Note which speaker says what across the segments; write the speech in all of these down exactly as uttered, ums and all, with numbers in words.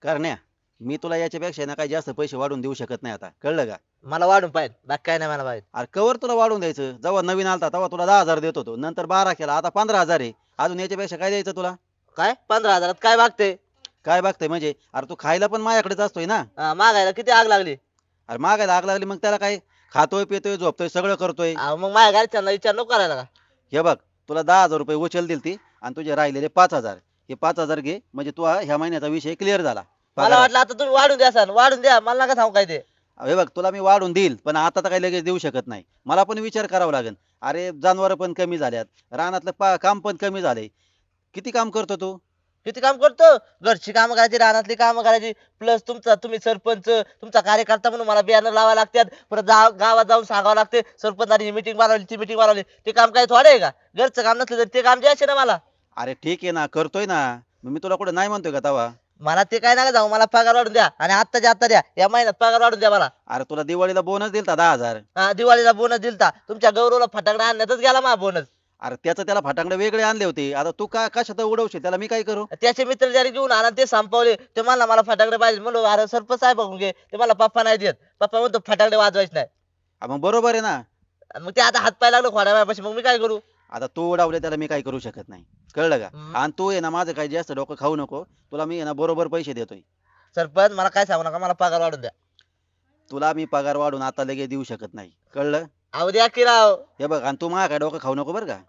Speaker 1: करण्या, मी तुला याच्यापेक्षा ना काही जास्त पैसे वाढवून देऊ शकत नाही आता, कळलं का?
Speaker 2: मला वाढून पाहिजे बाकी काय नाही मला पाहिजे.
Speaker 1: अरे कवर तुला वाढवून द्यायचं, जेव्हा नवीन आलता तेव्हा तुला दहा हजार देत होतो, नंतर बारा केला, आता पंधरा हजार आहे. अजून याच्यापेक्षा काय द्यायचं तुला?
Speaker 2: काय पंधरा हजारात काय मागते?
Speaker 1: काय बघतंय म्हणजे? अरे तू खायला पण माझ्याकडेच असतोय ना.
Speaker 2: हा, मागायला किती आग लागली.
Speaker 1: अरे मागायला आग लागली मग त्याला काय? खातोय पितोय झोपतोय सगळं करतोय.
Speaker 2: अहो, मग माझ्या घरच्यांना विचार नको करायला का?
Speaker 1: हे बघ, तुला दहा हजार रुपये उचल दिलती आणि तुझे राहिलेले पाच हजार, हे पाच हजार घे, म्हणजे तू हा- ह्या महिन्याचा विषय क्लिअर झाला
Speaker 2: मला
Speaker 1: पगारात.
Speaker 2: वाटलं आता तुम्ही वाढून द्या सर, वाढून द्या, मला नका सांगू काय ते.
Speaker 1: हे बघ, तुला मी वाढून देईल पण आता तर काही लगेच देऊ शकत नाही, मला पण विचार करावा लागेल. अरे जनावर पण कमी झाल्यात, रानातलं पा- काम पण कमी झालंय. किती काम करतो तू?
Speaker 2: किती काम करतो? घरची कामं करायची, रानातली कामं करायची, प्लस तुमचा तुम्ही सरपंच, तुमचा कार्यकर्ता म्हणून मला बियाणं लावायला लागतात, परत जा- गावात जाऊन सांगावं लागते सरपंचानी ही मिटिंग मारवली ती मिटिंग मारवली. ते काम काय थोडे आहे का? घरचं काम नसलं तर ते काम द्यायचे ना मला.
Speaker 1: अरे ठीक आहे ना, करतोय ना, मग मी तुला कुठे नाही म्हणतोय का तवा?
Speaker 2: मला ते काय नका जाऊ, मला पगार वाढून द्या आणि आत्ताच्या आत्ता द्या, या महिन्यात पगार वाढून द्या मला.
Speaker 1: अरे तुला दिवाळीला बोनस दिलता दहा हजार.
Speaker 2: हा, दिवाळीला बोनस दिलता, तुमच्या गौरवला फटाकडा आणण्यातच गेला मा बोनस.
Speaker 1: अरे त्याचं त्याला फटाकडे वेगळे आणले होते, आता तू का कशात उडवशील त्याला, मी काय करू?
Speaker 2: त्याचे मित्र जरी घेऊन आला ते संपवले, ते मला मला फटाकडे पाहिजे म्हणलो, अरे सरपंच साहेब बघून घे, ते मला पप्पा नाही देत, पप्पा म्हणतो फटाकडे वाजवायचे नाही.
Speaker 1: हा, मग बरोबर आहे ना.
Speaker 2: आणि मग ते आता हात पाय लागलो खोड्या वेळापाशी, मग मी काय करू?
Speaker 1: आता तू उडावले त्याला मी काही करू शकत नाही, कळलं का?
Speaker 2: हम्म.
Speaker 1: आणि तू आहे ना माझं काही जास्त डोकं खाऊ नको, तुला मी आहे ना बरोबर पैसे देतोय.
Speaker 2: सरपंच मला काय सांगू नका, मला पगार वाढून द्या.
Speaker 1: तुला मी पगार वाढून आता लगेच देऊ शकत नाही, कळलं?
Speaker 2: अहो द्या की राव.
Speaker 1: हे बघ, आणि तू माझ्या काय डोकं खाऊ नको बरं का.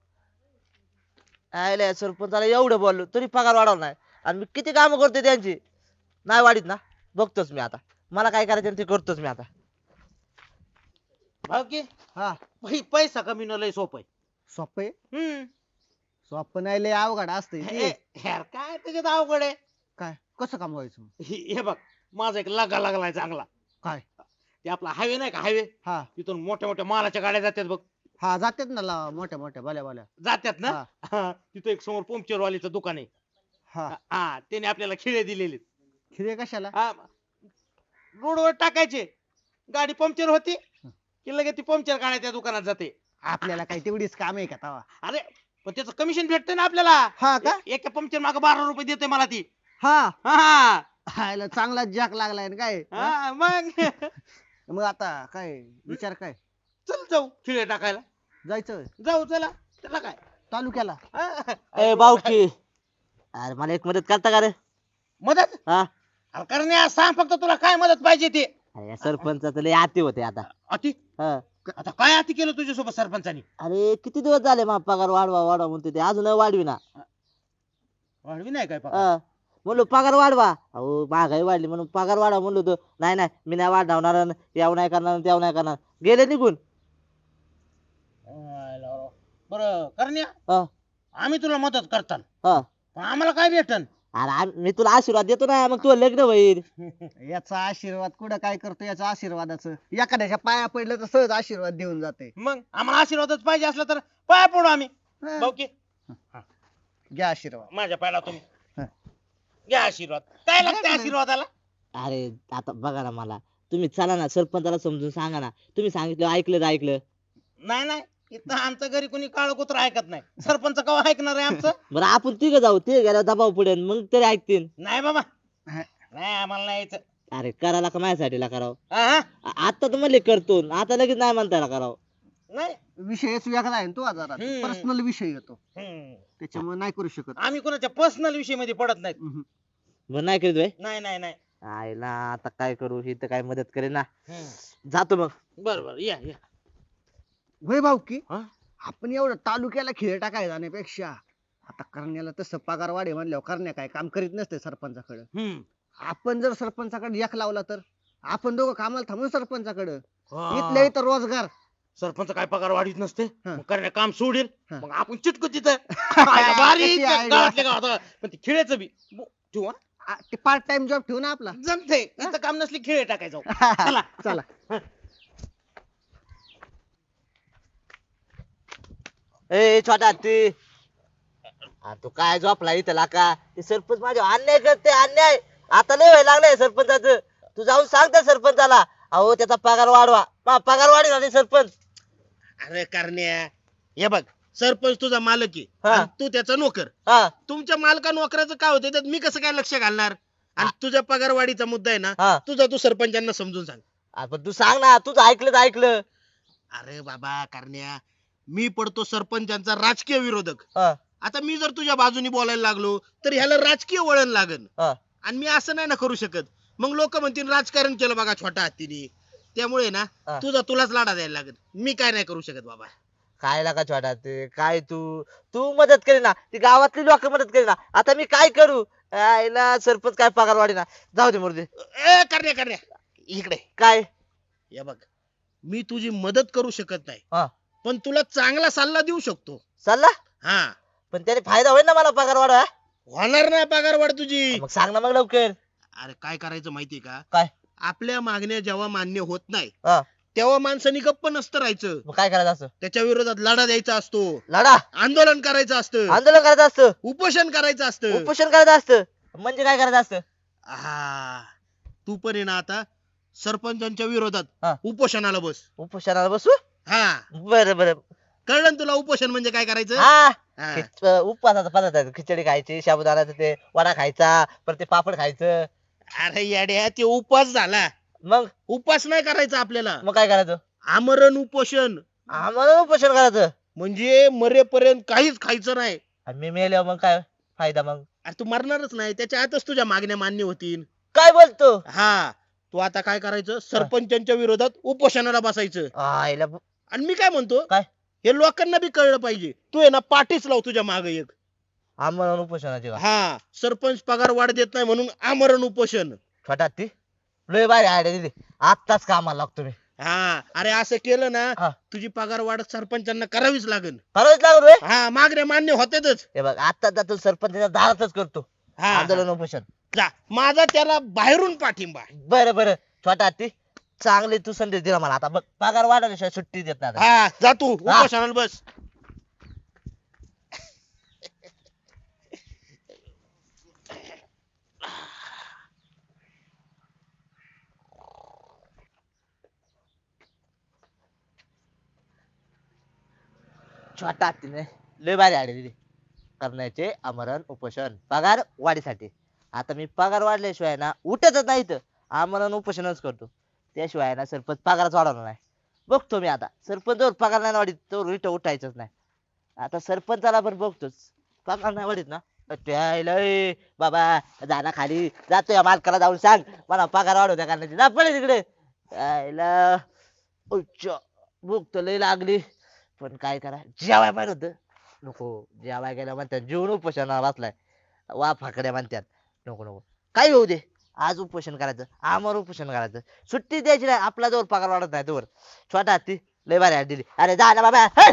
Speaker 2: आयले सरपंचाला एवढं बोललो तरी पगार वाढवला नाही, आणि मी किती कामं करते त्यांची, नाही वाढीत ना. बघतोच मी आता, मला काय करायचं ते करतोच मी आता.
Speaker 3: भाऊकी
Speaker 4: हा
Speaker 3: भाई पैसा कमी लय सोपं आहे.
Speaker 4: सोपं आहे.
Speaker 3: हम्म.
Speaker 4: सोपं नाही लय अवघड असतंय
Speaker 3: हे
Speaker 4: ते.
Speaker 3: यार काय त्याच्यात अवघड आहे.
Speaker 4: काय कसं कमवायचं?
Speaker 3: हे हे बघ, माझा एक लगा लागलाय चांगला.
Speaker 4: काय?
Speaker 3: ते आपला हायवे नाही का, हायवे,
Speaker 4: हा
Speaker 3: तिथून मोठ्या मोठ्या मालाच्या गाड्या जातात बघ.
Speaker 4: हा जातात ना ला- मोठ्या मोठ्या भल्या भल्या.
Speaker 3: जातात ना.
Speaker 4: हा.
Speaker 3: हा, तिथं एक समोर पंक्चर वालीचं दुकान आहे.
Speaker 4: हा
Speaker 3: हा, त्याने आपल्याला खिळे दिलेले.
Speaker 4: खिरे कशाला?
Speaker 3: हा, रोडवर टाकायचे, गाडी पंक्चर होती की लगेच ती पंक्चर काढायला त्या दुकानात जाते.
Speaker 4: आपल्याला काय तेवढीच काम आहे का तवा?
Speaker 3: अरे पण त्याचं कमिशन भेटतंय ना आपल्याला.
Speaker 4: हा का?
Speaker 3: ए- एका पंक्चर मागे बारा रुपये देते मला ती.
Speaker 4: हा
Speaker 3: हा
Speaker 4: हायला चांगला जॅक लागलाय ना काय? हा?
Speaker 3: हा, मग
Speaker 4: मग आता काय विचार काय?
Speaker 3: चल जाऊ खिळे टाकायला.
Speaker 4: जायचं
Speaker 3: जाऊ चला, त्याला काय.
Speaker 4: तालुक्याला?
Speaker 3: हा.
Speaker 2: ए बावकी, अरे मला एक मदत करता का रे?
Speaker 3: मदत?
Speaker 2: हा,
Speaker 3: अरे करण्या, सांग फक्त तुला काय मदत पाहिजे ते.
Speaker 2: अरे सरपंचाचं लय आती होते आता.
Speaker 3: अति
Speaker 2: हा.
Speaker 3: आता काय अति केलं तुझ्यासोबत सरपंचानी?
Speaker 2: अरे किती दिवस झाले मा पगार वाढवा वाढवा म्हणते ते, अजून वाढवी ना.
Speaker 3: वाढवी नाही काय पगार?
Speaker 2: हा. म्हणलो पगार वाढवा, अहो महागाई वाढली म्हणून पगार वाढवा म्हणलो होतो, नाही नाही मी नाही वाढवणार, याव नाही करणार त्याव नाही करणार, गेले निघून.
Speaker 3: आयला. बरं करण्या,
Speaker 2: हा.
Speaker 3: आम्ही तुला मदत करताल,
Speaker 2: हा.
Speaker 3: पण आम्हाला काय भेटन?
Speaker 2: अरे आम- मी तुला आशीर्वाद देतो ना, मग तुला लग्न होईल.
Speaker 4: याचा आशीर्वाद कुठं काय करतो याचा आशीर्वादाचं? एखाद्याच्या पाया पडलं तर सहज आशीर्वाद देऊन जाते.
Speaker 3: मग आम्हाला आशीर्वादच पाहिजे असला तर पाया पडू आम्ही.
Speaker 4: हा.
Speaker 3: भाऊ की
Speaker 4: घ्या आशीर्वाद.
Speaker 3: माझ्या पायाला तुम्ही
Speaker 4: हा.
Speaker 3: घ्या आशीर्वाद. काय लागतं आशीर्वादाला?
Speaker 2: अरे आता बघा ना, मला तुम्ही चला ना सरपंचाला समजून सांगा ना, तुम्ही सांगितलं ऐकलं तर ऐकलं.
Speaker 3: नाही नाही, इथं आमचं घरी कोणी काळ कुत्र ऐकत नाही. सरपंच कवा ऐकणार आहे आमचं?
Speaker 2: बरं आपण तिघ जाऊ, ते गेल्या दबाव पडेल मग तरी ऐकतील.
Speaker 3: नाही बाबा,
Speaker 4: हा.
Speaker 3: नाही आम्हाला नाही यायचं.
Speaker 2: अरे करायला का माझ्यासाठी करावं?
Speaker 3: हा, हा.
Speaker 2: आ- आता तर म्हणले करतो, आता लगेच नाही म्हणतायला करावं.
Speaker 3: नाही.
Speaker 4: विषयच वेगळा आहे ना तो जरा
Speaker 3: हम्म.
Speaker 4: पर्सनल विषय येतो
Speaker 3: हम्म.
Speaker 4: त्याच्यामुळे नाही करू शकत.
Speaker 3: आम्ही कोणाच्या पर्सनल विषय मध्ये पडत नाहीत.
Speaker 4: हम्म.
Speaker 2: बरं नाही करीत भाई.
Speaker 3: नाही नाही नाही.
Speaker 2: आईला आता काय करू, ही तर काय मदत करेल ना.
Speaker 3: हम्म.
Speaker 2: जातो मग.
Speaker 3: बर बर, या या.
Speaker 4: होय भाऊ की
Speaker 3: हा?
Speaker 4: आपण एवढं तालुक्याला खिळे टाकाय जाण्यापेक्षा आता करण्याला तसं पगार वाढे म्हणल्यावर करण्या काय काम करीत नसते सरपंचाकडे.
Speaker 3: हम्म.
Speaker 4: आपण जर सरपंचाकडे एक लावला तर आपण दोघं कामाला थांबू सरपंचाकडे.
Speaker 3: हा.
Speaker 4: इथल्या इथं रोजगार.
Speaker 3: सरपंच काय पगार वाढीत नसते,
Speaker 4: हा.
Speaker 3: मग करण्या काम सोडेल,
Speaker 4: हा.
Speaker 3: मग आपण चिटकू तिथं. आयला भारी
Speaker 4: किती
Speaker 3: त्या
Speaker 4: idea.
Speaker 3: गावातल्या गावात. पण ते खिळेचं बी बो- ठेवू हा.
Speaker 4: आ, ते पार्ट टाइम जॉब ठेवू ना आपला.
Speaker 3: जमते, इथं काम नसली खिळे टाकायचं. चला.
Speaker 4: चला.
Speaker 2: ए छोटा हत्ती, आ, तू काय झोपला इथं का? ते सरपंच माझ्या अन्याय करते, अन्याय आता लय व्हायला लागलाय सरपंचाचं. तू जाऊन सांग त्या सरपंचाला, अहो त्याचा पगार वाढवा, मा पगार वाढी झाली सरपंच.
Speaker 3: अरे करण्या, हे बघ, सरपंच तुझा मालक आहे
Speaker 2: हा.
Speaker 3: आणि तू त्याचा नोकर.
Speaker 2: हा.
Speaker 3: तुमच्या मालका नोकराचं काय होतं त्यात मी कसं काय लक्ष घालणार? आणि तुझ्या पगारवाढीचा मुद्दा आहे ना
Speaker 2: हा
Speaker 3: तुझा तू सरपंचांना समजून सांग.
Speaker 2: आ, पण तू सांग ना, तुझं ऐकलं तर ऐकलं.
Speaker 3: अरे बाबा करण्या, मी पडतो सरपंचांचा राजकीय विरोधक.
Speaker 2: हा
Speaker 3: आता मी जर तुझ्या बाजूनी बोलायला लागलो तर ह्याला राजकीय वळण लागन.
Speaker 2: हा
Speaker 3: आणि मी असं नाही ना करू शकत. मग लोक म्हणतील राजकारण केलं बघा छोटा हत्तीने. त्यामुळे ना
Speaker 2: हा.
Speaker 3: तुझा तुलाच लाडा द्यायला लागेल. मी काय नाही करू शकत बाबा.
Speaker 2: काय लागा छोटा ते काय तू तू मदत करी ना, ती गावातली लोक मदत करी ना. आता मी काय करू? आईला सरपंच काय पगार वाढी ना. जाऊ दे मुर्दे.
Speaker 3: ए करण्या करण्या इकडे
Speaker 2: काय
Speaker 3: या बघ, मी तुझी मदत करू शकत नाही
Speaker 2: हा
Speaker 3: पण तुला चांगला सल्ला देऊ शकतो.
Speaker 2: चालला,
Speaker 3: हा
Speaker 2: पण त्याने फायदा होईल ना मला पगार वाढ.
Speaker 3: होणार नाही पगार वाढ तुझी.
Speaker 2: मग सांग ना मग लवकर.
Speaker 3: अरे काय करायचं माहितीये का?
Speaker 2: काय
Speaker 3: आपल्या मागण्या जेव्हा मान्य होत नाही
Speaker 2: हा
Speaker 3: तेव्हा माणसाने गप्प नसतं राहायचं.
Speaker 2: मग काय करायचं असं?
Speaker 3: त्याच्या विरोधात लढा द्यायचा असतो,
Speaker 2: लढा,
Speaker 3: आंदोलन करायचं असतं,
Speaker 2: आंदोलन करायचं असतं,
Speaker 3: उपोषण करायचं असतं.
Speaker 2: उपोषण करायचं असतं. म्हणजे काय करायचं असतं?
Speaker 3: हा तू पण आहे ना आता सरपंचांच्या
Speaker 2: हा.
Speaker 3: विरोधात उपोषणाला बस.
Speaker 2: उपोषणाला बसू.
Speaker 3: हा
Speaker 2: बरं बरं.
Speaker 3: कळलं ना तुला उपोषण म्हणजे काय करायचं?
Speaker 2: हा
Speaker 3: हा.
Speaker 2: खिच- उपवासाचा पदार्थ आहे. खिचडी खायची, साबुदाण्याचं ते वडा खायचा, परत ते पापड खायचं.
Speaker 3: अरे येड्या, ते उपवास झाला.
Speaker 2: मग
Speaker 3: उपवास नाही करायचा आपल्याला.
Speaker 2: मग काय करायचं?
Speaker 3: आमरण उपोषण
Speaker 2: आम्हाला उपोषण करायचं.
Speaker 3: म्हणजे मरेपर्यंत काहीच खायचं नाही.
Speaker 2: आणि मी मेल्यावर मग काय फायदा? मग
Speaker 3: अरे तू मरणारच नाही, त्याच्या आतच तुझ्या मागण्या मान्य होतील.
Speaker 2: काय बोलतो?
Speaker 3: हा तू आता काय करायचं, सरपंचांच्या विरोधात उपोषणाला बसायचं.
Speaker 2: आईला
Speaker 3: आणि मी काय म्हणतो,
Speaker 2: काय?
Speaker 3: हे लोकांना बी कळलं पाहिजे. तू आहे ना पाठीच लाव तुझ्या माग एक.
Speaker 2: आम्हाला उपोषणाची का?
Speaker 3: हा सरपंच पगार वाढ देत नाही म्हणून आमरण उपोषण.
Speaker 2: छोटा ती लय बारी आयडिया दिली. आत्ताच कामाला लागतो मी.
Speaker 3: हा अरे असं केलं ना
Speaker 2: हा.
Speaker 3: तुझी पगार वाढ सरपंचांना करावीच लागेल.
Speaker 2: खरंच लागलो रे.
Speaker 3: हा मागण्या मान्य होतेच.
Speaker 2: हे बघ आता जातो सरपंचाच्या दारातच करतो
Speaker 3: हा
Speaker 2: आंदोलन उपोषण.
Speaker 3: जा, माझा त्याला बाहेरून पाठिंबा.
Speaker 2: बरं बरं छोटा ती चांगली तू संदेश दिला मला. आता बघ पगार वाढवल्याशिवाय सुट्टी देत नाही आता.
Speaker 3: हा जा तू उपोषणाला बस.
Speaker 2: छोटा हत्तीने लय भारी आयडिया दिली. करण्याचे आमरण उपोषण पगार वाढीसाठी. आता मी पगार वाढल्याशिवाय ना उठतच नाही तर आमरण उपोषणच करतो. त्याशिवाय ना सरपंच पगारच वाढवणार नाही. बघतो मी आता सरपंच पगार नाही वाढीत तो रिट उठायचंच नाही. आता सरपंचाला पण बघतोच पगार नाही वाढीत ना त्याला ए, बाबा जाना खाली जातो या मालकाला जाऊन सांग मला पगार वाढवू द्या करण्याची. जा पळे तिकडे. यायला उच्च भूक तर लय लागली पण काय करा जेवाय पाहिजे होतं. नको जेवाय गेल्या म्हणतात जेवण उपोषणाला बसलाय वा फाकड्या म्हणतात. नको नको काय होऊ दे आज उपोषण करायचं आमर उपोषण करायचं. सुट्टी द्यायची नाही आपला जोर पगार वाढत नाही तोवर. छोटा हत्ती लय भारी हात दिली. अरे जा ना बाबा. हे!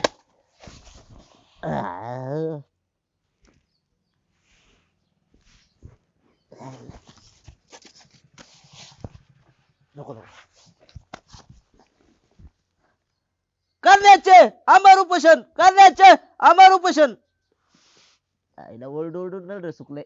Speaker 2: आ. नको नको करण्याचे अमर उपोषण करण्याचे अमर उपोषण. आईला ओरड ओरडून नळ सुकले.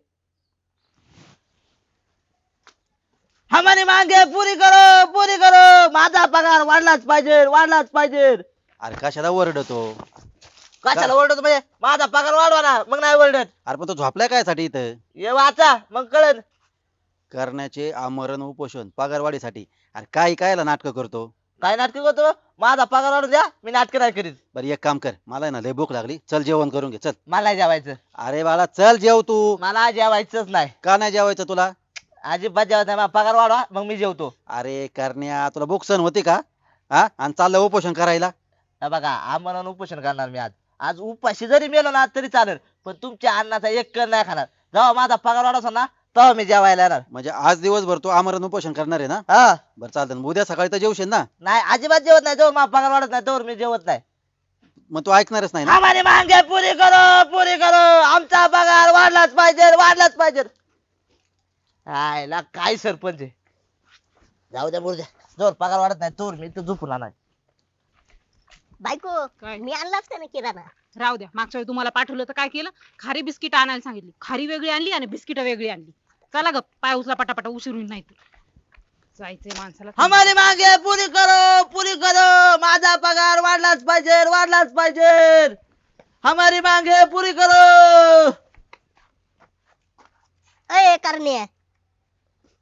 Speaker 2: हमारी मांगे पुरी करो पुरी करो. माझा पगार वाढलाच पाहिजे वाढलाच पाहिजे.
Speaker 1: अरे कशाला ओरडतो?
Speaker 2: कशाला ओरडत म्हणजे माझा पगार वाढवा ना मग नाही ओरडत.
Speaker 1: अरे पण तो झोपलाय काय साठी इथं?
Speaker 2: ये वाचा मग कळन.
Speaker 1: करण्याचे आमरण उपोषण पगारवाढीसाठी. अरे काय कायला नाटक करतो?
Speaker 2: काय नाटक करतो? माझा पगार वाढू द्या मी नाटक नाही करीत.
Speaker 1: बरं एक काम कर, मला आहे ना लय भूक लागली, चल जेवण करून घे चल.
Speaker 2: मला नाही जेवायचं.
Speaker 1: अरे बाळा चल जेव तू.
Speaker 2: मला जेवायचंच नाही.
Speaker 1: का नाही जेवायचं तुला?
Speaker 2: अजिबात जेवायचं नाही. माझा पगार वाढवा मग मी जेवतो.
Speaker 1: अरे करण्या तुला भूक सहन होती का? हा आणि चाललं उपोषण करायला?
Speaker 2: हे बघा आम्हाला उपोषण करणार मी आज. आज उपाशी जरी मेलो ना तरी चालेल पण तुमच्या अन्नाचा एक कण नाही खाणार. जेव्हा माझा पगार वाढवतो ना तेव्हा मी जेवायला येणार.
Speaker 1: म्हणजे आज दिवसभर तू आमरण उपोषण करणार आहे ना?
Speaker 2: हा
Speaker 1: बरं चालतं, मग उद्या सकाळी तर जेवशील ना?
Speaker 2: नाही अजिबात जेवत नाही. जोर माझा पगार वाढत नाही तोवर मी जेवत नाही.
Speaker 1: मग तू ऐकणारच नाही ना?
Speaker 2: हमारी मांगे पुरी करो पुरी करो. आमचा पगार वाढलाच पाहिजे वाढलाच पाहिजे. आयला काय सरपंच आहे. जाऊ द्या बोल द्या. जोर पगार वाढत नाही तोवर मी तर झोपून राहणार.
Speaker 5: बायको
Speaker 6: काय?
Speaker 5: मी आणलाच का नाही किराणा?
Speaker 6: राहू द्या. मागच्या वेळी तुम्हाला पाठवलं तर काय केलं? खारी बिस्किट आणायला सांगितली. खारी वेगळी आणली आणि बिस्किट वेगळी आणली. चला ग पाय उचला पटापटा उशीर होईल नाही तर. जायचंय माणसाला.
Speaker 2: हमारी मांगे पुरी करो पुरी करो. माझा पगार वाढलाच पाहिजे वाढलाच पाहिजे. हमारी मांगे पुरी करो.
Speaker 5: अय करणे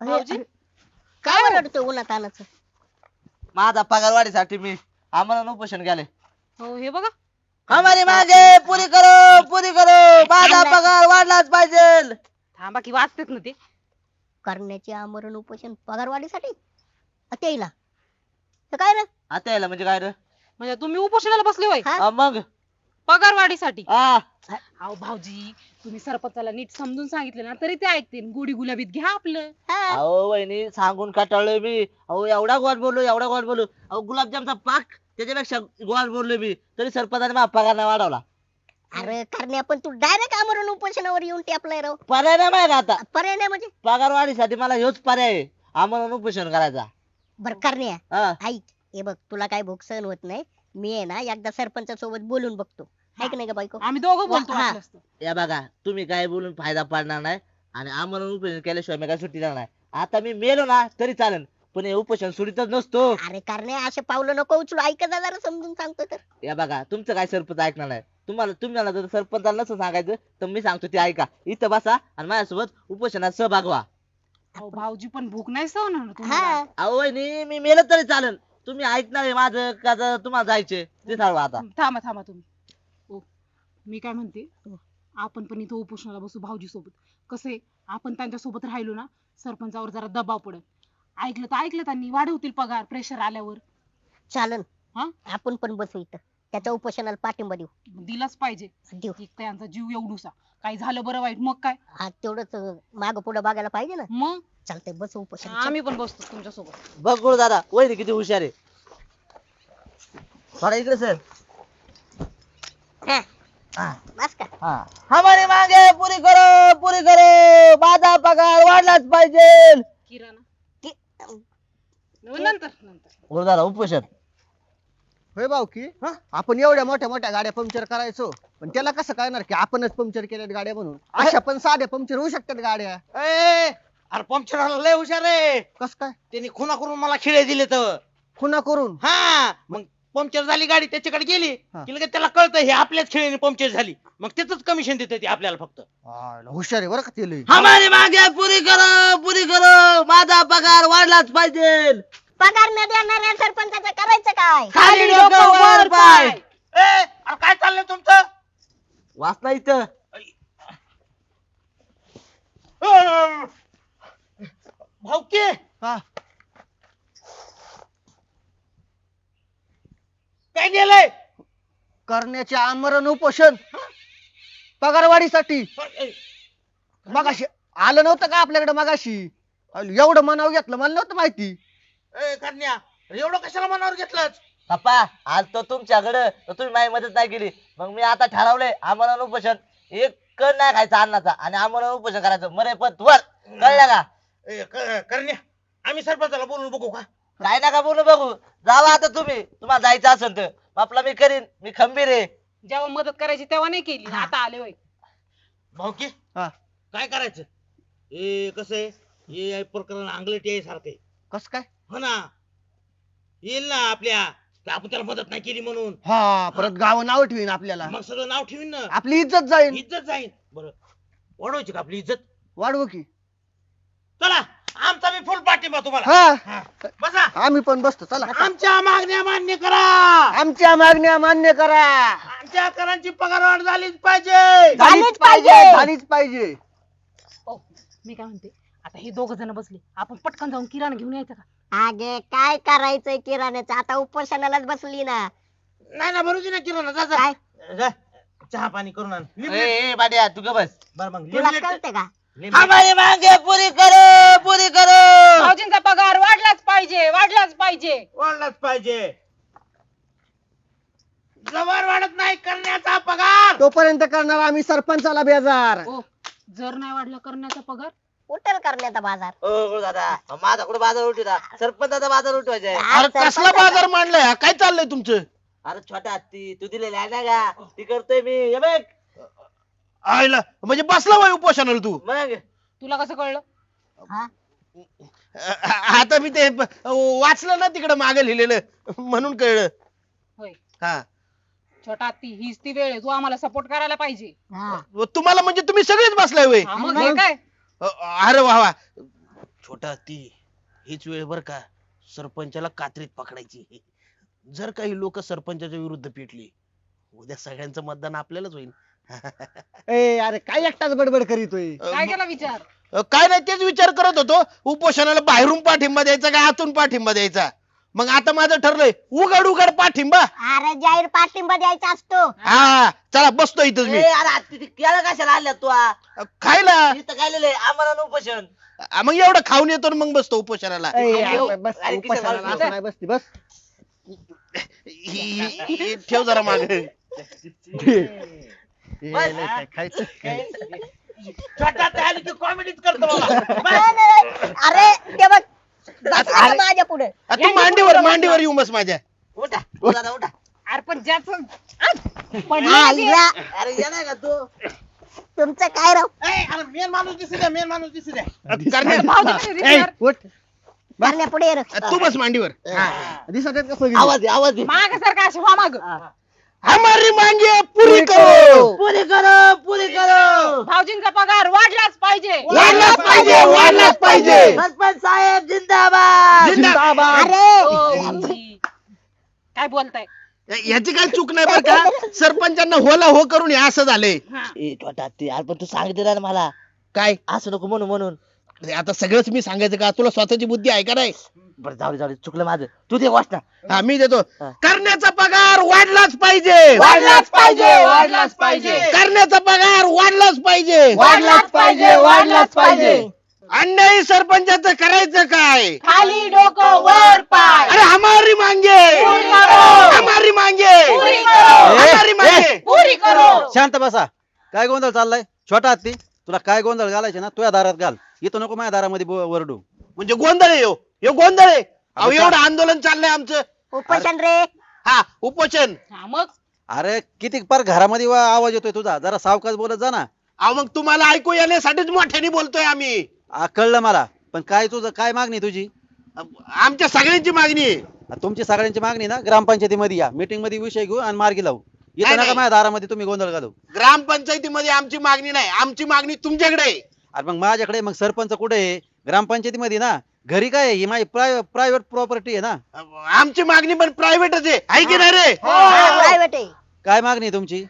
Speaker 6: भाऊजी
Speaker 5: काय ओरडतोय उन्हात आणायचं?
Speaker 2: माझा पगार वाढीसाठी मी आम्हाला उपोषण केले.
Speaker 6: हो हे बघा
Speaker 2: हमारी मागे पुरी करो पुरी करो माझा पगार वाढलाच पाहिजे.
Speaker 6: थांबा की वाचतेत ना ते.
Speaker 5: करण्याचे आमरण उपोषण पगारवाढीसाठी त्याला तर काय रे?
Speaker 2: आता यायला म्हणजे काय रे?
Speaker 6: म्हणजे तुम्ही उपोषणाला बसले होय
Speaker 5: हा?
Speaker 2: हा, मग
Speaker 6: पगार वाढीसाठी?
Speaker 2: हा
Speaker 6: अहो भाऊजी तुम्ही सरपंचाला नीट समजून सांगितलं ना तरी ते ऐकतील. गोडी गुलाबीत घ्या आपलं.
Speaker 5: हा.
Speaker 2: अहो वहिनी सांगून कटाळलोय मी. अहो एवढा गोड बोललो एवढा गोड बोललो. अहो गुलाबजामचा पाक त्याच्यापेक्षा गोड बोललो मी तरी सरपंचाने माझा पगार नाही वाढवला.
Speaker 5: अरे करण्या पण तू डायरेक्ट आमरण उपोषणावर येऊन टेपलाय राव.
Speaker 2: पर्याय नाही माहिती आता.
Speaker 5: पर्याय नाही म्हणजे?
Speaker 2: पगार वाढीसाठी मला ह्योच पर्याय आहे, आम्हाला उपोषण करायचा.
Speaker 5: बर करण्या
Speaker 2: हा
Speaker 5: ऐक, हे बघ तुला काय भूक सहन होत नाही. मी आहे ना एकदा सरपंचा सोबत बोलून बघतो. ऐक नाही का बायको?
Speaker 6: आम्ही दोघं बोलतो
Speaker 5: हा.
Speaker 6: वाटलं असतं.
Speaker 2: या बघा तुम्ही काय बोलून फायदा पडणार नाही आणि आम्हाला उपोषण केल्याशिवाय मी काय सुट्टी देणार नाही. आता मी मेलो ना तरी चालेल पण हे उपोषण सुटीतच नसतो.
Speaker 5: अरे करण्या असे पावलं नको उचलू. ऐक जा जरा समजून सांगतो तर.
Speaker 2: या बघा तुमचं काय सरपंच ऐकणार नाही. तुम्हाला तुम्हाला जर सरपंचाला नसं सांगायचं तर मी सांगतो ते ऐका. इथं बसा आणि माझ्यासोबत उपोषणात सहभाग व्हा.
Speaker 6: अहो भाऊजी पण भूक नाही सहन होणार तुम्हाला.
Speaker 5: हा
Speaker 2: अहो वहिनी मी मेलं तरी चालेल तुम्ही ऐकणार आहे माझं का जर तुम्हाला जायचे ते ठरवा आता.
Speaker 6: थांबा थांबा तुम्ही. ओ मी काय म्हणते आपण पण इथं उपोषणाला बसू भाऊजी सोबत. कसं आपण त्यांच्या सोबत राहिलो ना सरपंचावर जरा दबाव पडेल. ऐकलं तर ऐकलं त्यांनी वाढवतील पगार प्रेशर आल्यावर.
Speaker 5: चालन.
Speaker 6: हा
Speaker 5: आपण पण बसू इथं त्याच्या उपोषणाला पाठिंबा देऊ.
Speaker 6: दिलाच पाहिजे.
Speaker 5: देऊ.
Speaker 6: एक तर यांचा जीव एवढूसा काही झालं बरं वाईट मग काय.
Speaker 5: हा तेवढंच माग पुढे बघायला पाहिजे ना.
Speaker 6: मग
Speaker 5: चालतंय बसू उपोषण.
Speaker 6: आम्ही पण बसतो तुमच्या सोबत.
Speaker 2: बघ गुरु दादा वहिनी किती हुशार आहे. थोडा इकडे सर.
Speaker 5: हा,
Speaker 2: हा
Speaker 5: बस का?
Speaker 2: हा हमारी मागे पुरी करो पुरी करो माझा पगार वाढलाच पाहिजे.
Speaker 6: किराणा
Speaker 5: कि-
Speaker 6: नंतर नंतर
Speaker 2: गुरु दादा उपोषण.
Speaker 4: होय भाऊ की आपण एवढ्या मोठ्या मोठ्या गाड्या पंक्चर करायचो पण त्याला कसं कळणार की आपणच पंक्चर केल्यात गाड्या म्हणून. अशा पण साध्या पंक्चर होऊ शकतात गाड्या.
Speaker 3: ए, अरे पंक्चर लय हुशार आहे.
Speaker 4: कस काय?
Speaker 3: त्यांनी खुना करून मला खिळे दिले तर.
Speaker 4: खुना करून?
Speaker 3: हा मग पंक्चर झाली गाडी त्याच्याकडे गेली
Speaker 4: हा.
Speaker 3: की लगेच त्याला कळतं हे आपल्याच खेळीने पंक्चर झाली. मग त्याच कमिशन देते ते आपल्याला फक्त.
Speaker 4: आ, हुशार आहे बरं का ते लय.
Speaker 2: हमारी मागे पुरी करो पुरी करो माझा पगार वाढलाच पाहिजे.
Speaker 5: पगार न देणाऱ्या सरपंचाचं करायचं काय?
Speaker 2: खाली डोकं वर पाय.
Speaker 3: ए अरे काय चाललंय तुमचं?
Speaker 2: वाचना इथं.
Speaker 3: अं, भाऊकी
Speaker 4: हा
Speaker 3: काय गेलंय?
Speaker 4: करण्याचे आमरण उपोषण पगारवाढीसाठी. मगाशी आलं नव्हतं का आपल्याकडे मगाशी? एवढं मनाव घेतलं मला नव्हतं माहिती.
Speaker 3: ए कन्या एवढं कशाला मनावर घेतलंच?
Speaker 2: पप्पा आज तो तुमच्याकडे तर तुम्ही माझी मदत नाही केली मग मी आता ठरवलंय आम्हाला उपोषण एक कण नाही खायचा अन्नाचा आणि आम्हाला उपोषण करायचं मरे पण वर कळलं का?
Speaker 3: ए, क- करण्या आम्ही सरपंचाला बोलून बघू का?
Speaker 2: काय नका बोलू बघू जावा आता तुम्ही तुम्हाला जायचं असेल तर आपला मी करीन मी खंबीर आहे.
Speaker 6: जेव्हा मदत करायची तेव्हा नाही केली आता आले होय.
Speaker 3: भाऊकी
Speaker 4: हा
Speaker 3: काय करायचं? ए कसं आहे हे प्रकरण अंगलटी आहे सारखे.
Speaker 4: कस काय?
Speaker 3: हो ना येईल ना आपल्या की आपण त्याला मदत नाही केली म्हणून.
Speaker 4: हा परत गाव नाव ठेवीन आपल्याला.
Speaker 3: मग सगळं नाव ठेवीन ना.
Speaker 4: आपली इज्जत जाईल.
Speaker 3: इज्जत जाईल. बरं वाढवायची का आपली इज्जत?
Speaker 4: वाढवू की.
Speaker 3: चला आमचा मी फुल पाठिंबा तुम्हाला.
Speaker 4: हा
Speaker 3: हा, बसा.
Speaker 4: आम्ही पण बसतो चला.
Speaker 3: आमच्या मागण्या मान्य करा.
Speaker 4: आमच्या मागण्या मान्य करा.
Speaker 3: आमच्या करांची पगारवाढ झालीच पाहिजे.
Speaker 5: झालीच पाहिजे.
Speaker 4: झालीच पाहिजे.
Speaker 6: ओ मी काय म्हणते आता हे दोघ जण बसले आपण पटकन जाऊन किराणा घेऊन यायचं का?
Speaker 5: अगे काय करायचंय किराण्याचं? आता उपोषणालाच बसली ना.
Speaker 3: नाही ना भरूची ना किराणा जा जा.
Speaker 5: काय
Speaker 3: जा. चहा पाणी करून आण.
Speaker 2: ए, ए बाड्या तू ग बस.
Speaker 3: बरं मग
Speaker 5: तुला
Speaker 3: लिंबू-
Speaker 5: कळते का?
Speaker 3: लिंबू-
Speaker 2: हमारी मागे पुरी करो पुरी करो.
Speaker 6: भाऊजींचा पगार वाढलाच पाहिजे वाढलाच पाहिजे.
Speaker 3: वाढलाच पाहिजे. जवळ वाढत नाही करण्याचा पगार.
Speaker 4: तोपर्यंत करणार आम्ही सरपंचाला बेजार.
Speaker 6: ओ जर नाही वाढला करण्याचा पगार
Speaker 5: उठल करण्याचा बाजार.
Speaker 2: ओ गुरु दादा माझा कुठे बाजार उठवता सरपंचाचा बाजार उठवायचा आहे.
Speaker 5: आज
Speaker 3: अरे कसला
Speaker 5: सरपंचाचा-
Speaker 3: बाजार मांडलाय? काय चाललंय तुमचं?
Speaker 2: अरे छोटा हत्ती तू दिलेली आहे ना का ती करतोय मी हे बघ
Speaker 3: आयला म्हणजे बसला वय उपोषणाला तू.
Speaker 2: मग
Speaker 6: तुला कसं कळलं?
Speaker 5: हा?
Speaker 3: आता मी ते वाचलं ना तिकडे मागे लिहिलेलं म्हणून कळलं.
Speaker 6: होय
Speaker 3: हा
Speaker 6: छोटा हत्ती हीच ती वेळ आहे तू आम्हाला सपोर्ट करायला पाहिजे.
Speaker 5: हा.
Speaker 3: तुम्हाला म्हणजे तुम्ही सगळेच बसलाय वय.
Speaker 6: हा, मग हे काय
Speaker 3: अरे वा वा छोटा ती हीच वेळ बर का सरपंचाला कात्रीत पकडायची. जर काही लोक सरपंचाच्या विरुद्ध पेटली उद्या सगळ्यांचं मतदान आपल्यालाच होईल.
Speaker 4: ए अरे काय एकटाच बडबड करीतोय.
Speaker 6: काय केला विचार?
Speaker 3: अ, काय नाही तेच विचार करत होतो उपोषणाला बाहेरून पाठिंबा द्यायचा का आतून पाठिंबा द्यायचा. मग आता माझं ठरलंय उघड उघड पाठिंबा.
Speaker 5: अरे जाहीर पाठिंबा द्यायचा असतो.
Speaker 3: हा चला बसतो इथंच मी.
Speaker 2: ए, अरे आता ते केळं कशाला आणल्यात तू आ?
Speaker 3: खायला
Speaker 2: इथं काय लिहिलंय आम्हाला उपोषण.
Speaker 3: अ, मग एवढं खाऊन येतो आणि मग बसतो उपोषणाला.
Speaker 4: ए,
Speaker 2: अरे,
Speaker 4: अरे, बस
Speaker 2: अरे, किती
Speaker 4: उपासाला
Speaker 2: माणूस
Speaker 4: असं नाही बसती बस.
Speaker 3: हि- हि- हि- ठेव जरा माग.
Speaker 4: ए, लय काय खायचं.
Speaker 3: छोटा ते आली की कॉमेडीच करतो बाबा.
Speaker 5: नाही, नाही. अरे ते बघ बसला का माझ्या पुढे.
Speaker 3: अ, तू मांडीवर मांडीवर येऊ बस माझ्या.
Speaker 2: उठा उठा उठा.
Speaker 6: अरे पण ज्याचं
Speaker 5: आईला,
Speaker 2: अरे ये नाही का तू
Speaker 5: तुमचं काय राव
Speaker 3: ए, अरे मेन माणूस दिसू द्या मेन माणूस दिसू द्या. अ, करण्या-
Speaker 4: ए, उठ.
Speaker 5: करण्या पुढे ये रे.
Speaker 3: अ, तू बस मांडीवर.
Speaker 4: दिसत आहेत का सगळी?
Speaker 2: आवाज दे आवाज दे.
Speaker 6: माग सारखा अशी व्हा माग.
Speaker 3: हमारी मांगे पुरी करो.
Speaker 2: पुरी करो पुरी करो.
Speaker 6: भाऊजींचा पगार वाढलाच पाहिजे.
Speaker 3: वाढलाच पाहिजे वाढलाच पाहिजे.
Speaker 2: सरपंच साहेब जिंदाबाद.
Speaker 3: जिंदाबाद.
Speaker 5: अरे
Speaker 6: काय बोलताय?
Speaker 3: याची काही चूक नाही बरं का. सरपंचांना होला हो करून हे असं झालंय.
Speaker 6: हा.
Speaker 2: ए छोटा ते अरे पण तू सांगितलं ना मला
Speaker 3: काय
Speaker 2: असं नको म्हणून म्हणून.
Speaker 3: अरे आता सगळंच मी सांगायचं का तुला स्वतःची बुद्धी आहे का नाही.
Speaker 2: बरं जाऊ दे जाऊ दे चुकलं माझं. तू ते वाच ना.
Speaker 3: हा मी देतो.
Speaker 2: हा.
Speaker 3: करण्याचा पगार वाढलाच पाहिजे.
Speaker 6: वाढलाच पाहिजे वाढलाच पाहिजे.
Speaker 3: करण्याचा पगार वाढलाच पाहिजे.
Speaker 6: वाढलाच पाहिजे वाढलाच पाहिजे.
Speaker 3: अन्यायी सरपंचाचं करायचं काय.
Speaker 6: खाली डोकं वर पाय.
Speaker 3: अरे हमारी मांगे
Speaker 6: पुरी करो.
Speaker 3: हमारी मांगे
Speaker 6: पुरी करो.
Speaker 3: हमारी मांगे.
Speaker 6: पुरी करो.
Speaker 1: शांत बसा. काय गोंधळ चाललाय छोटा हत्ती? तुला काय गोंधळ घालायचे ना तुझ्या दारात घाल. इथं नको माझ्या दारामध्ये बो- वरडू.
Speaker 3: म्हणजे गोंधळ आहे ह्यो. ह्यो गोंधळ आहे. अहो
Speaker 1: आता का-
Speaker 3: एवढं आंदोलन चाललंय आमचं.
Speaker 5: उपोषण रे.
Speaker 3: हा उपोषण.
Speaker 6: हा मग
Speaker 1: अरे किती पार घरामध्ये वा- आवाज येतोय तुझा. जरा सावकाश बोलत जा ना.
Speaker 3: अहो मग तुम्हाला ऐकू येण्यासाठीच मोठ्याने बोलतोय आम्ही.
Speaker 1: आ, कळलं मला. पण काय तुझं काय मागणी तुझी?
Speaker 3: आमच्या सगळ्यांची मागणी आहे.
Speaker 1: आ, तुमची सगळ्यांची मागणी ना ग्रामपंचायतीमध्ये या मीटिंग मध्ये विषय घेऊ आणि मार्गी लावू.
Speaker 3: नाही,
Speaker 1: इथं नका
Speaker 3: नाही.
Speaker 1: माझ्या दारामध्ये तुम्ही गोंधळ घालू.
Speaker 3: ग्रामपंचायतीमध्ये आमची मागणी नाही. आमची मागणी तुमच्याकडे आहे.
Speaker 1: अरे मग माझ्याकडे मग सरपंच कुठे आहे? ग्रामपंचायतीमध्ये ना. घरी काय आहे? ही माझी प्रायव्हेट प्रॉपर्टी आहे ना.
Speaker 3: आमची मागणी पण प्रायव्हेटच आहे आहे की नाही रे.
Speaker 5: प्रायव्हेट आहे.
Speaker 1: काय मागणी आहे तुमची?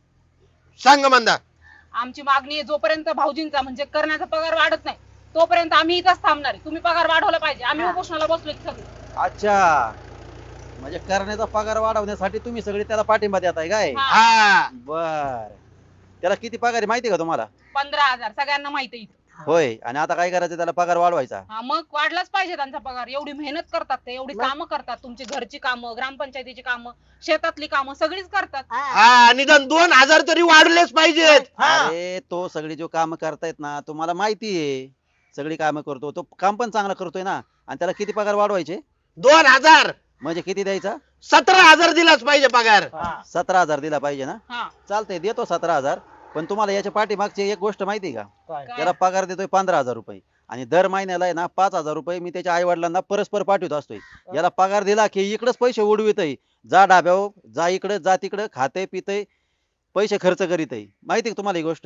Speaker 3: सांग मंदा.
Speaker 6: आमची मागणी आहे जोपर्यंत भाऊजींचा म्हणजे करण्याचा पगार वाढत नाही तोपर्यंत आम्ही इथंच थांबणार आहे. तुम्ही पगार वाढवला पाहिजे. आम्ही उपोषणाला बसलोय सगळे.
Speaker 1: अच्छा म्हणजे करण्याचा पगार वाढवण्यासाठी तुम्ही सगळे त्याला पाठिंबा देताय काय?
Speaker 6: हा.
Speaker 3: हा
Speaker 1: बर. त्याला किती पगार आहे माहिती आहे का तुम्हाला?
Speaker 6: पंधरा हजार सगळ्यांना माहिती आहे इथं.
Speaker 1: होय. आणि आता काय करायचं त्याला पगार वाढवायचा.
Speaker 6: हा मग वाढलाच पाहिजे त्यांचा पगार. एवढी मेहनत करतात ते एवढी
Speaker 5: मग?
Speaker 6: कामं करतात. तुमची घरची कामं ग्रामपंचायतीची कामं शेतातली कामं सगळीच करतात.
Speaker 5: हा.
Speaker 3: हा निदान दोन हजार तरी वाढलेच पाहिजेत. हा.
Speaker 1: अरे तो सगळी जो काम करतायत ना तुम्हाला माहिती आहे. सगळी कामं करतो तो. काम पण चांगलं करतोय ना. आणि त्याला किती पगार वाढवायचे?
Speaker 3: दोन हजार
Speaker 1: म्हणजे किती द्यायचा?
Speaker 3: सतरा हजार दिलाच पाहिजे पगार.
Speaker 1: सतरा हजार दिला पाहिजे ना.
Speaker 6: हा
Speaker 1: चालतंय देतो सतरा हजार. पण तुम्हाला याच्या पाठीमागची एक गोष्ट माहिती आहे का?
Speaker 6: काय?
Speaker 1: त्याला पगार देतोय पंधरा हजार रुपये आणि दर महिन्याला आहे ना पाच हजार रुपये मी त्याच्या आई वडिलांना परस्पर पाठवत असतोय. याला पगार दिला की इकडेच पैसे उडवितय. जा डाब्यावर जा इकडे जा तिकडे खाते पितय पैसे खर्च करीतय. माहिती आहे का तुम्हाला ही गोष्ट?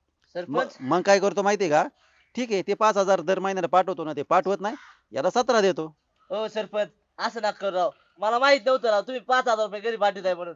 Speaker 2: सरपंच
Speaker 1: मग मग काय करतो माहिती आहे का? ठीक आहे ते पाच हजार दर महिन्याला पाठवतो ना ते पाठवत नाही. याला सतरा देतो.
Speaker 2: हो सरपंच असं नका करू राव. मला माहित नव्हतं राव तुम्ही पाच हजार रुपये घरी पाठवताय म्हणून.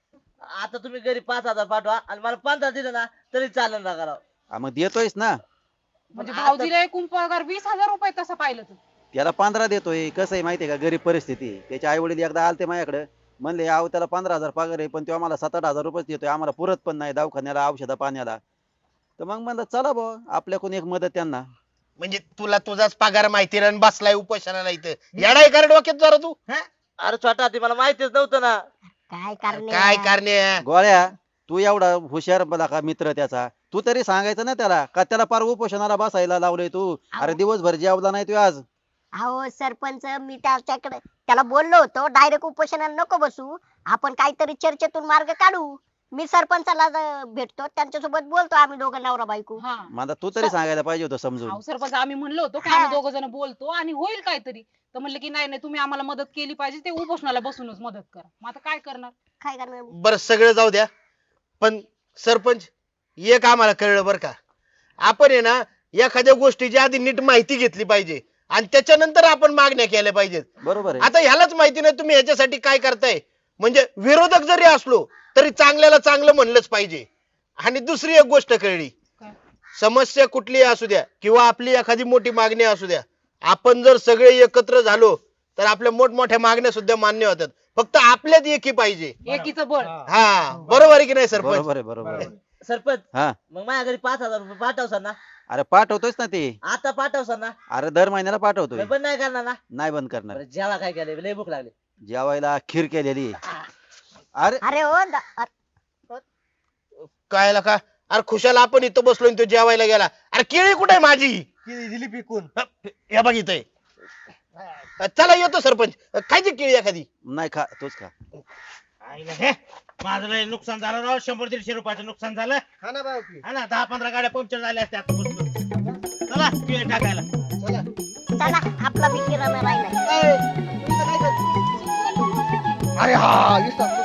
Speaker 2: आता तुम्ही घरी पाच हजार पाठवा आणि मला पंधरा दिलं ना तरी चालेल नका राव.
Speaker 1: हा, मग देतोयच ना.
Speaker 6: म्हणजे
Speaker 2: आता-
Speaker 6: भाऊजीला एकूण पगार वीस हजार रुपये तसं पाहिलं तर.
Speaker 1: त्याला पंधरा देतोय. कसं आहे माहितीये का गरीब परिस्थिती आहे. त्याचे आई वडील एकदा आलते माझ्याकडे म्हणले अहो त्याला पंधरा हजार पगार आहे पण तो आम्हाला सात आठ हजार रुपये देतोय आम्हाला पुरत पण नाही दवाखान्याला औषधा पाण्याला. तर मग म्हणलं चला बुवा आपल्याकडून एक मदत त्यांना.
Speaker 3: म्हणजे तुला तुझाच पगार माहिती नाही आणि बसलाय उपोषणाला इथं. येडाय कर डोक्यात जरा तू. हा?
Speaker 2: अरे छोटा ते मला माहितीच नव्हतं ना.
Speaker 5: काय करणे
Speaker 3: काय करणे.
Speaker 1: गोळ्या तू एवढा हुशार बला का मित्र त्याचा तू तरी सांगायचं ना त्याला का त्याला पार उपोषणाला बसायला लावलंय तू. अरे दिवसभर जेवला नाही तू आज.
Speaker 5: अहो सरपंच मी त्याच्याकडे त्याला बोललो होतो डायरेक्ट उपोषणाला नको बसू आपण काहीतरी चर्चेतून मार्ग काढू. मी सरपंचाला ज- भेटतो त्यांच्यासोबत बोलतो आम्ही दोघं नवरा बायको.
Speaker 6: हा
Speaker 1: मला तू तरी सांगायला पाहिजे होतं समजून.
Speaker 6: अहो सरपंच आम्ही म्हणलो होतो की
Speaker 5: हा.
Speaker 6: आम्ही दोघ जण बोलतो आणि होईल काहीतरी. तर म्हणलं की नाही नाही तुम्ही आम्हाला मदत केली पाहिजे. ते उपोषणाला बसूनच मदत करा. मग आता काय करणार?
Speaker 5: काय करणार
Speaker 3: बर सगळं जाऊ द्या पण सरपंच एक आम्हाला कळलं बर का. आपण आहे ना एखाद्या गोष्टीची आधी नीट माहिती घेतली पाहिजे आणि त्याच्यानंतर आपण मागण्या केल्या पाहिजेत.
Speaker 1: बरोबर आहे.
Speaker 3: आता ह्यालाच माहिती नाही तुम्ही ह्याच्यासाठी काय करताय. म्हणजे विरोधक जरी असलो तरी चांगल्याला चांगलं म्हणलंच पाहिजे. आणि दुसरी एक गोष्ट कळली,
Speaker 6: काय?
Speaker 3: समस्या कुठली असू द्या किंवा आपली एखादी मोठी मागणी असू द्या, आपण जर सगळे एकत्र झालो तर आपल्या मोठमोठ्या मागण्या सुद्धा मान्य होतात. फक्त आपल्यात एकी पाहिजे.
Speaker 6: एकीचं बळ.
Speaker 3: हा बरोबर आहे की नाही सरपंच?
Speaker 1: बरोबर आहे बरोबर आहे.
Speaker 2: सरपंच
Speaker 1: हा
Speaker 2: मग माझ्या घरी पाच हजार रुपये पाठवसान ना?
Speaker 1: अरे पाठवतोयच ना ते.
Speaker 2: आता पाठवसान ना?
Speaker 1: अरे दर महिन्याला पाठवतोय.
Speaker 2: पण नाही करणार ना?
Speaker 1: नाही बंद करणार.
Speaker 2: बरं, जेवा काय केलंय? लय भूक लागली.
Speaker 1: जेवायला खीर केलेली आहे. अरे
Speaker 5: अरे हो दा- अ-
Speaker 3: काय का अरे खुशाल आपण इथं बसलो आणि तो जेवायला गेला. अरे केळी कुठे आहे माझी?
Speaker 4: केळी दिली पिकून.
Speaker 3: या बघ इथे. चला येतो सरपंच. खायची केळी एखादी?
Speaker 1: नाही खा तोच खा.
Speaker 7: माझं लय नुकसान झालं राव, शंभर दीडशे रुपयाचं नुकसान झालं.
Speaker 4: हा ना भाऊकी.
Speaker 7: हा ना, दहा पंधरा गाड्या पंक्चर झाल्या असत्या आतापासून. चला केळी टाकायला.
Speaker 5: चला आपला बी किराणा राहिला.
Speaker 4: अरे हा इथं